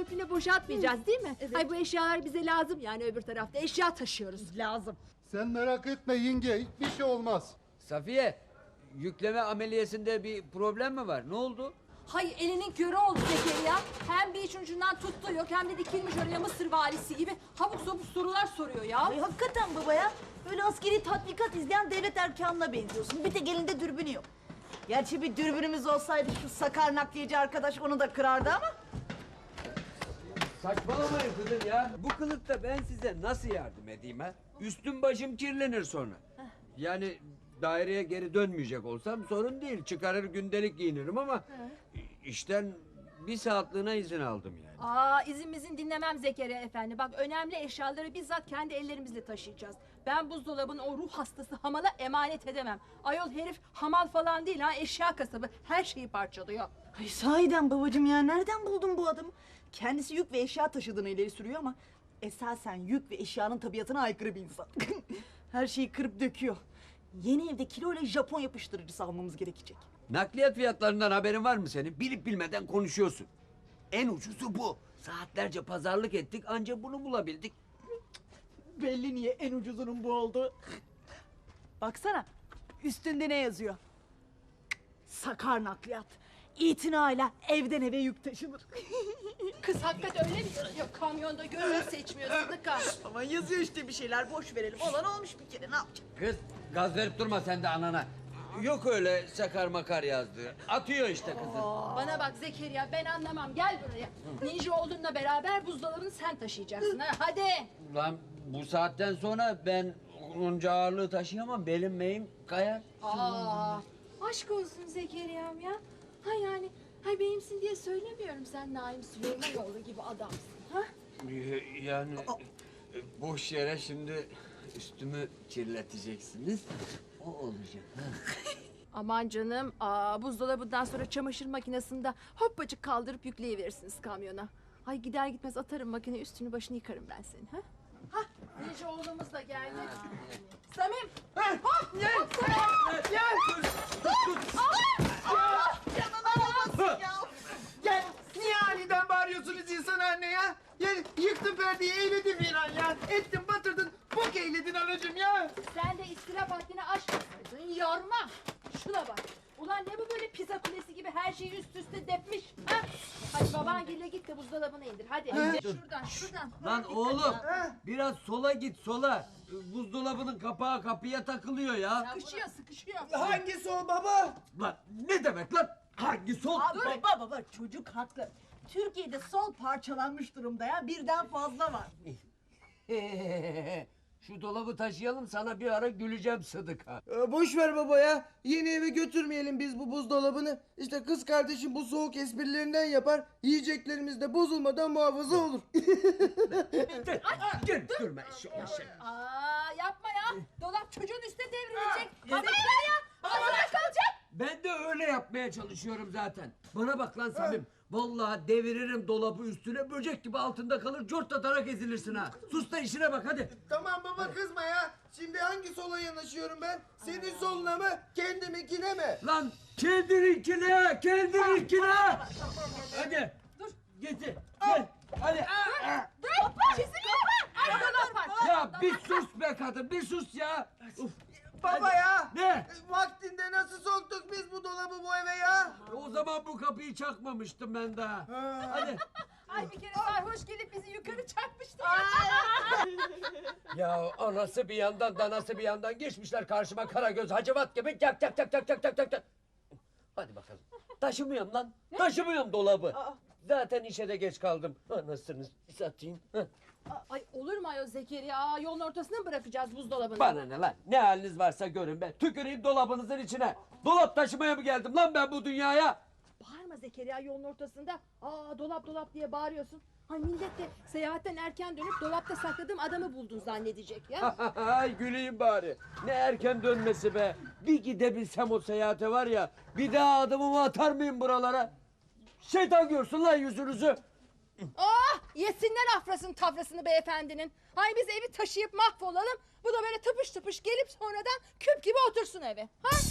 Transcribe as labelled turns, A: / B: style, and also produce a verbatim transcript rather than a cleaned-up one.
A: komple boşaltmayacağız değil mi? Evet. Ay bu eşyalar bize lazım yani öbür tarafta eşya taşıyoruz.
B: Lazım.
C: Sen merak etme yenge, hiçbir şey olmaz.
D: Safiye, yükleme ameliyesinde bir problem mi var? Ne oldu?
E: Hay elinin körü oldu Zekeriya. Hem bir iç ucundan tuttu yok hem de dikilmiş oraya Mısır valisi gibi habuk sabuk sorular soruyor ya.
B: Ay hakikaten baba ya. Öyle askeri tatbikat izleyen devlet erkanına benziyorsun. Bir tek elinde dürbünü yok. Gerçi bir dürbünümüz olsaydı şu sakar nakliyeci arkadaş onu da kırardı ama.
D: Saçmalamayın kızım ya. Bu kılıkta ben size nasıl yardım edeyim ha? Üstüm başım kirlenir sonra. Yani daireye geri dönmeyecek olsam sorun değil. Çıkarır gündelik giyinirim ama işten bir saatliğine izin aldım yani.
E: Aa izin dinlemem Zekeriya efendi. Bak önemli eşyaları bizzat kendi ellerimizle taşıyacağız. Ben buzdolabını o ruh hastası hamala emanet edemem. Ayol herif hamal falan değil ha, eşya kasabı. Her şeyi parçalıyor.
B: Ay sahiden babacığım ya, nereden buldun bu adamı? Kendisi yük ve eşya taşıdığını ileri sürüyor ama esasen yük ve eşyanın tabiatına aykırı bir insan. Her şeyi kırıp döküyor. Yeni evde kilo ile Japon yapıştırıcısı almamız gerekecek.
D: Nakliyat fiyatlarından haberin var mı senin? Bilip bilmeden konuşuyorsun. En ucuzu bu. Saatlerce pazarlık ettik ancak bunu bulabildik.
B: Belli niye en ucuzunun bu oldu. Baksana üstünde ne yazıyor? Sakar nakliyat. İtinayla evden eve yük taşınır.
E: Kız hakikaten öyle mi yazıyor? Kamyonda gözünü seçmiyor Sıdıka.
B: Ama yazıyor işte bir şeyler, boş verelim. Olan olmuş bir kere, ne yapacak?
D: Kız gaz verip durma sen de anana. Yok öyle sakar makar yazdığı. Atıyor işte kızı.
E: Bana bak Zekeriya ben anlamam gel buraya. Ninja oğlunla beraber buzdolabını sen taşıyacaksın ha hadi.
D: Lan bu saatten sonra ben onca ağırlığı taşıyamam. Belim meyim kayar.
E: Aa, aşk olsun Zekeriya'm ya. Ha yani, hay benimsin diye söylemiyorum sen Naim Süleymanoğlu gibi adamsın ha.
D: Yani e, boş yere şimdi üstümü kirleteceksiniz. O olacak.
E: Aman canım, aa, buzdolabından sonra çamaşır makinesinde hoppacık kaldırıp yükleyiverirsiniz kamyona. Ay gider gitmez atarım makine üstünü başını yıkarım ben senin ha. Ha, Ninja oğlumuz da geldi. Samim, hop,
B: Gel,
E: hop Samim.
B: gel.
F: Gel, niye aniden bağırıyorsunuz insan anne ya? Yani yıktın perdeyi, eyledin bir an ya. Ettin, batırdın, bok eyledin anacığım ya.
E: Sen de istirap haddini aşmasaydın, yorma. Şuna bak. Ulan ne bu böyle pizza kulesi gibi her şeyi üst üste depmiş, ha? Hadi babangille git de buzdolabını indir, hadi. Şuradan, şuradan.
D: Lan oğlum biraz sola git sola. Buzdolabının kapağı kapıya takılıyor ya.
E: Sıkışıyor, sıkışıyor.
F: Hangisi o baba?
D: Lan ne demek lan? Hangi sol?
B: Aa, baba baba çocuk haklı. Türkiye'de sol parçalanmış durumda ya, birden fazla var.
D: Şu dolabı taşıyalım sana bir ara güleceğim Sıdıka.
F: Ee, boş ver baba ya. Yeni eve götürmeyelim biz bu buzdolabını. İşte kız kardeşim bu soğuk esprilerinden yapar. Yiyeceklerimiz de bozulmadan muhafaza olur.
D: Gel, gel durma eşek eşek.
E: Aa yapma ya. Dolap çocuğun üstüne devrilecek. Baba ya. Ağzına kalacak.
D: Ben de öyle yapmaya çalışıyorum zaten. Bana bak lan Samim. Vallahi deviririm dolabı üstüne böcek gibi altında kalır cort atarak ezilirsin ha. Sus da işine bak hadi.
F: Tamam baba kızma ya. Şimdi hangi sola yanaşıyorum ben? Senin soluna mı? Kendiminkine mi?
D: Lan kendininkine, kendininkine. Hadi. Dur. Getir. Gel. Hadi.
E: Dur. Çizim yapma. Ay dolap var.
D: Ya bir sus be kadın, bir sus ya. Uf.
F: Baba ya.
D: Ne?
F: Vaktinde nasıl soktuk biz bu dolabı bu eve ya?
D: O zaman bu kapıyı çakmamıştım ben daha. Hadi.
E: Ay bir kere sarhoş gelip bizi yukarı çarpmıştı.
D: Ya anası bir yandan danası bir yandan geçmişler karşıma Karagöz Hacivat gibi tak tak tak tak tak tak tak tak. Hadi bakalım. Taşımıyorum lan. Taşımıyorum dolabı. Zaten işe de geç kaldım. Anasını satayım. Heh.
E: Ay olur mu ayol Zekeriya? Yolun ortasına mı bırakacağız buzdolabını?
D: Bana ne lan? Ne haliniz varsa görün be. Tüküreyim dolabınızın içine. Dolap taşımaya mı geldim lan ben bu dünyaya?
E: Bağırma Zekeriya yolun ortasında. Aa dolap dolap diye bağırıyorsun. Ay millet de seyahatten erken dönüp dolapta sakladığım adamı buldun zannedecek ya.
D: Ay güleyim bari. Ne erken dönmesi be. Bir gidebilsem o seyahate var ya. Bir daha adımımı atar mıyım buralara? Şeytan görsün lan yüzünüzü.
E: Ah yesinler afrasını tafrasını beyefendinin. Hay biz evi taşıyıp mahvolalım. Bu da böyle tıpış tıpış gelip sonradan küp gibi otursun eve. Ha?